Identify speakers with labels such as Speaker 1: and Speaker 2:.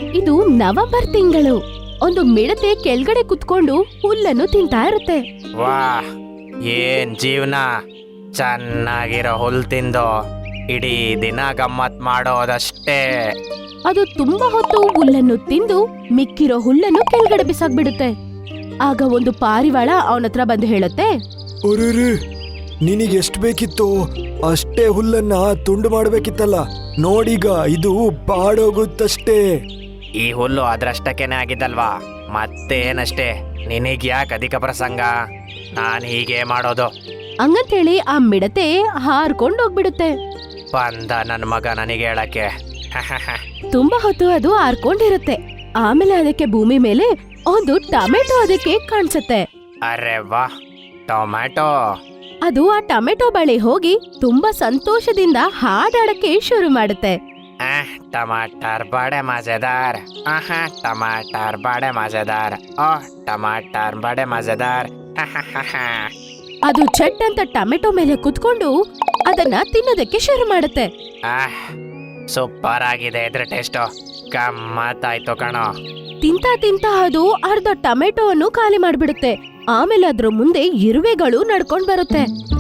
Speaker 1: ಇದು ನವೆಂಬರ್ ತಿಂಗಳು. ಒಂದು ಮಿಡತೆ ಕೆಳಗಡೆ ಕುತ್ಕೊಂಡು ಹುಲ್ಲನ್ನು ತಿಂತಾ ಇರುತ್ತೆ.
Speaker 2: ವಾಹ್, ಏನ್ ಜೀವನ! ಚೆನ್ನಾಗಿರೋ ಹುಲ್ ತಿಂದು ಇಡೀ ದಿನ ಗಮ್ಮತ್ ಮಾಡೋದಷ್ಟೇ.
Speaker 1: ಅದು ತುಂಬಾ ಹೊತ್ತು ಹುಲ್ಲನ್ನು ತಿಂದು ಮಿಕ್ಕಿರೋ ಹುಲ್ಲನ್ನು ಕೆಳಗಡೆ ಬಿಸಾಕ್ಬಿಡುತ್ತೆ. ಆಗ ಒಂದು ಪಾರಿವಾಳ ಅವನ ಹತ್ರ ಬಂದು ಹೇಳುತ್ತೆ,
Speaker 3: ಅರೆ, ನಿನಗೆ ಎಷ್ಟು ಬೇಕಿತ್ತು ಅಷ್ಟೇ ಹುಲ್ಲನ್ನ ತುಂಡು ಮಾಡ್ಬೇಕಿತ್ತಲ್ಲ. ನೋಡೀಗ ಇದು ಬಾಡೋಗುತ್ತಷ್ಟೇ.
Speaker 2: ಈ ಹುಲ್ಲು ಅದ್ರಷ್ಟಕ್ಕೇನೆ ಆಗಿದ್ದಲ್ವಾ, ಮತ್ತೇನಷ್ಟೇ. ನಿನಗ್ ಯಾಕೆ ಅಧಿಕ ಪ್ರಸಂಗ? ನಾನು ಹೀಗೆ ಮಾಡೋದು.
Speaker 1: ಹಂಗಂತೇಳಿ ಆ ಮಿಡತೆ ಹಾರ್ಕೊಂಡು ಹೋಗ್ಬಿಡುತ್ತೆ.
Speaker 2: ಬಂದ ನನ್ನ ಮಗ ನನಗೆ ಹೇಳಕ್ಕೆ.
Speaker 1: ತುಂಬಾ ಹೊತ್ತು ಅದು ಹಾರ್ಕೊಂಡಿರುತ್ತೆ. ಆಮೇಲೆ ಅದಕ್ಕೆ ಭೂಮಿ ಮೇಲೆ ಒಂದು ಟೊಮೆಟೊ ಅದಕ್ಕೆ ಕಾಣಿಸುತ್ತೆ.
Speaker 2: ಅರೆ ವಾ, ಟೊಮ್ಯಾಟೊ!
Speaker 1: ಅದು ಆ ಟೊಮೆಟೊ ಬಳಿ ಹೋಗಿ ತುಂಬಾ ಸಂತೋಷದಿಂದ ಹಾಡಾಡಕ್ಕೆ ಶುರು ಮಾಡುತ್ತೆ.
Speaker 2: ಟಮಾಟರ್ ಬಡೆ ಮಜೆದಾರ್. ಟಮಾಟರ್ ಬಡೆ ಮಜೆದಾರ್. ಟಮಾಟರ್ ಬಡೆ ಮಜೆದಾರ್.
Speaker 1: ಅದು ಚಟ್ ಅಂತ ಟೊಮೆಟೊ ಮೇಲೆ ಕುತ್ಕೊಂಡು ಅದನ್ನ ತಿನ್ನೋದಕ್ಕೆ ಶುರು ಮಾಡುತ್ತೆ.
Speaker 2: ಸೂಪರ್ ಆಗಿದೆ ಇದ್ರ ಟೇಸ್ಟು. ಗಮ್ಮತ್ತಾಯ್ತು ಕಣೋ.
Speaker 1: ತಿಂತಾ ಅದು ಅರ್ಧ ಟೊಮೆಟೊವನ್ನು ಖಾಲಿ ಮಾಡ್ಬಿಡುತ್ತೆ. ಆಮೇಲೆ ಅದ್ರ ಮುಂದೆ ಇರುವೆಗಳು ನಡ್ಕೊಂಡ್ ಬರುತ್ತೆ.